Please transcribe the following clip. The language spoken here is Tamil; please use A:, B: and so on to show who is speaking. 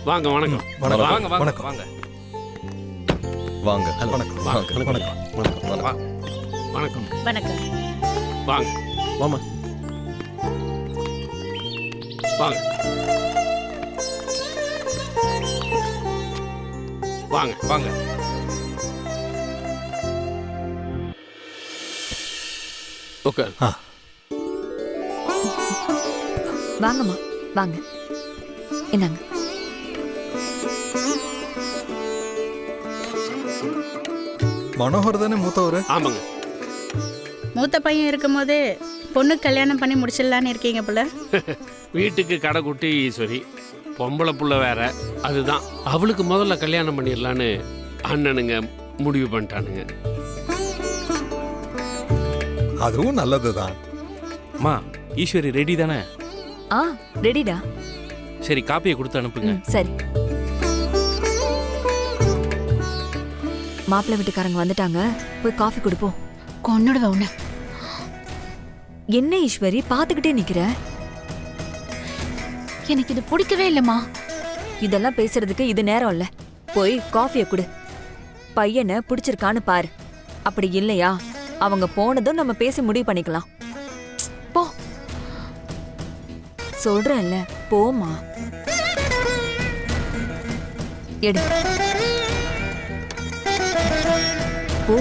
A: வாங்க வணக்கம்
B: வணக்கம்.
A: வாங்க வாங்க
B: வணக்கம்.
A: வாங்க
C: வாங்க.
B: வணக்கம்.
C: வாங்க.
B: வணக்கம்.
A: வணக்கம் வணக்கம்
D: வணக்கம்.
A: வாங்க
C: வாமா.
A: வாங்க வாங்க வாங்க ஓகே
D: வாங்கம்மா வாங்க. என்னங்க
B: மனோகர் தானே மூத்தவர்?
A: ஆமாங்க.
E: மூத்த பையன் இருக்கும்போது பொண்ணு கல்யாணம் பண்ணி முடிச்சிடலான்னு இருக்கீங்க போல.
A: வீட்டுக்கு கடை குட்டி ஈஸ்வரி, பொம்பளை புள்ள வேற. அதுதான் அவளுக்கு முதல்ல கல்யாணம் பண்ணிடலான்னு அண்ணனுங்க முடிவு பண்ணிட்டானுங்க.
B: அதுவும் நல்லதுதான்.
F: அம்மா ஈஸ்வரி ரெடி தானே?
D: ஆ ரெடிடா.
F: சரி காப்பியை கொடுத்து அனுப்புங்க.
D: சரி. மாப்பிள்ளை வீட்டுக்காரங்க வந்துட்டாங்க, போய் காஃபி கொடுப்போம்.
E: கொன்னுடுவேன் உன்னை.
D: என்ன ஈஸ்வரி பாத்துக்கிட்டே நிக்கிற?
E: எனக்கு இது பிடிக்கவே இல்லைம்மா.
D: இதெல்லாம் பேசுறதுக்கு இது நேரம் இல்ல. போய் காஃபியை குடு. பையனை பிடிச்சிருக்கான்னு பாரு. அப்படி இல்லையா அவங்க போனதும் நம்ம பேசி முடிவு பண்ணிக்கலாம். போ சொல்றேன்ல, போமா. எடு போ.